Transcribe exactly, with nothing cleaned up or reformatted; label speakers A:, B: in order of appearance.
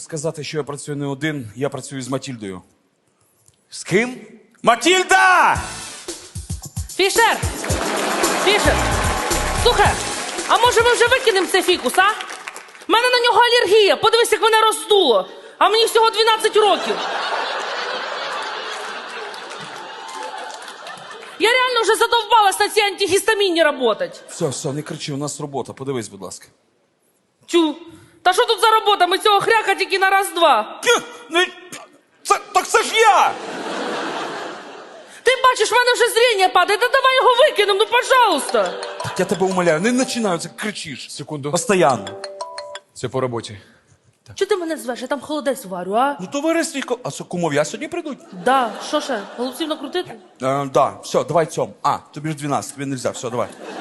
A: Сказати, що я працюю не один, я працюю з Матільдою.
B: З ким?
A: Матільда!
C: Фішер! Фішер! Слухай, а може ми вже викинемо цей фікус, а? У мене на нього алергія, подивись, як мене роздуло. А мені всього дванадцять років. Я реально вже задовбалась на цій антигістамінні работать.
A: Все, все, не кричи, у нас робота. Подивись, будь ласка.
C: Тю, та що тут за робота? Ми цього хряка тільки на раз-два.
A: Ну, це, так це ж я!
C: Ти бачиш, в мене вже зріння падає, та давай його викинемо, ну пожалуйста.
A: Так я тебе умоляю, не починаю, це кричиш.
B: Секунду.
A: Постоянно.
B: Це по роботі.
C: Чого ти мене звеш? Я там холодець варю, а?
A: Ну, товаристві, ко- а що, кумов'я сьогодні прийдуть?
C: Да, що ще? Голубців накрутити?
A: Е, да, все, давай цьом. А, тобі ж дванадцять, тобі не можна, все, давай.